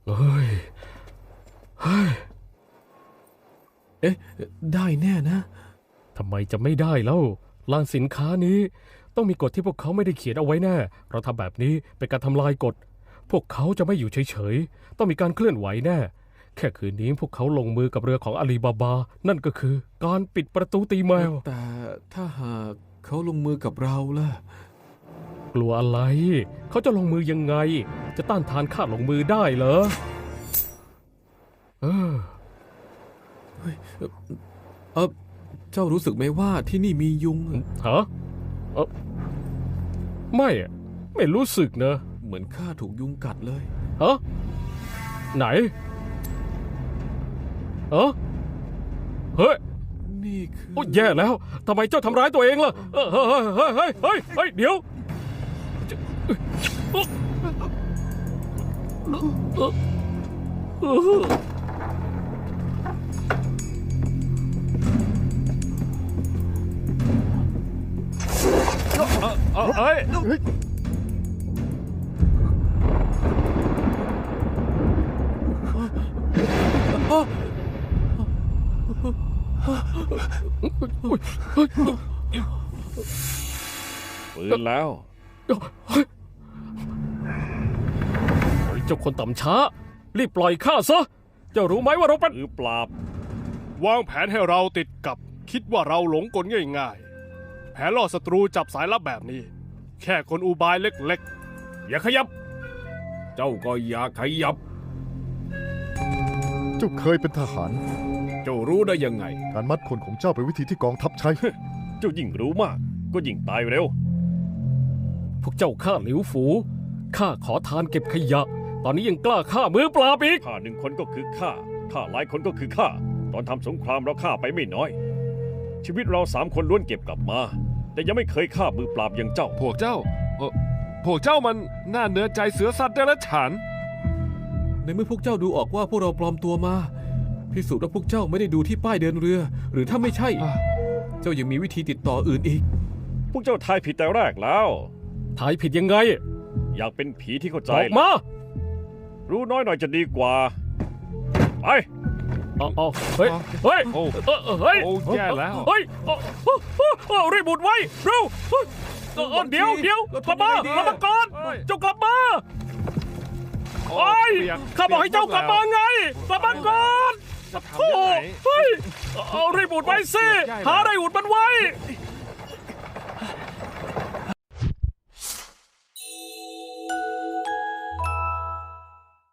เฮ้ยเอ๊ะได้แน่นะทำไมจะไม่ได้แล้วลานสินค้านี้ต้องมีกฎที่พวกเขาไม่ได้เขียนเอาไว้แน่เราทำแบบนี้เป็นการทำลายกฎพวกเขาจะไม่อยู่เฉยๆต้องมีการเคลื่อนไหวแน่แค่คืนนี้พวกเขาลงมือกับเรือของอาลีบาบานั่นก็คือการปิดประตูตีแมวแต่ถ้าหากเขาลงมือกับเราล่ะกลัวอะไรเขาจะลงมือยังไงจะต้านทานข้าลงมือได้เหรอเจ้ารู้สึกไหมว่าที่นี่มียุงฮะไม่รู้สึกนะเหมือนข้าถูกยุงกัดเลยฮะไหนเฮ้ยนี่คือโอ้แย่แล้วทำไมเจ้าทำร้ายตัวเองล่ะเฮ้ยเดี๋ยวเฮ้ยปืนแล้วเจ้าคนต่ำช้ารีบปล่อยข้าซะเจ้ารู้ไหมว่าเราเป็นมือปราบวางแผนให้เราติดกับคิดว่าเราหลงกลง่ายๆแผนล่อศัตรูจับสายลับแบบนี้แค่คนอุบายเล็กๆอย่าขยับเจ้าก็อย่าขยับเจ้าเคยเป็นทหารเจ้ารู้ได้ยังไงการมัดคนของเจ้าเป็นวิธีที่กองทัพใช้เจ้ายิ่งรู้มากก็ยิ่งตายเร็วพวกเจ้าฆ่าหลิวฝูข้าขอทานเก็บขยะตอนนี้ยังกล้าฆ่ามือปราบอีกฆ่าหนึ่งคนก็คือฆ่าหลายคนก็คือฆ่าตอนทำสงครามเราฆ่าไปไม่น้อยชีวิตเรา3 คนล้วนเก็บกลับมาแต่ยังไม่เคยฆ่ามือปราบอย่างเจ้าพวกเจ้ามันน่าเนื้อใจเสือสัตว์เดรัจฉานในเมื่อพวกเจ้าดูออกว่าพวกเราปลอมตัวมาพิสูจน์ว่าพวกเจ้าไม่ได้ดูที่ป้ายเดินเรือหรือถ้าไม่ใช่เจ้ายังมีวิธีติดต่ออื่นอีกพวกเจ้าทายผิดแต่แรกแล้วทายผิดยังไงอยากเป็นผีที่เข้าใจออกมารู้น้อยหน่อยจะดีกว่าไปเฮ้ยโอ้แย่แล้วเฮ้ยรีบบุดไว้เร็วเดี๋ยวกลับมาก่อนเจ้ากลับมาโอ้ยข้าบอกให้เจ้ากลับมาไงกลับมาก่อนโอ้เฮ้ยรีบบุดไว้สิหาอะไรอุดมันไว้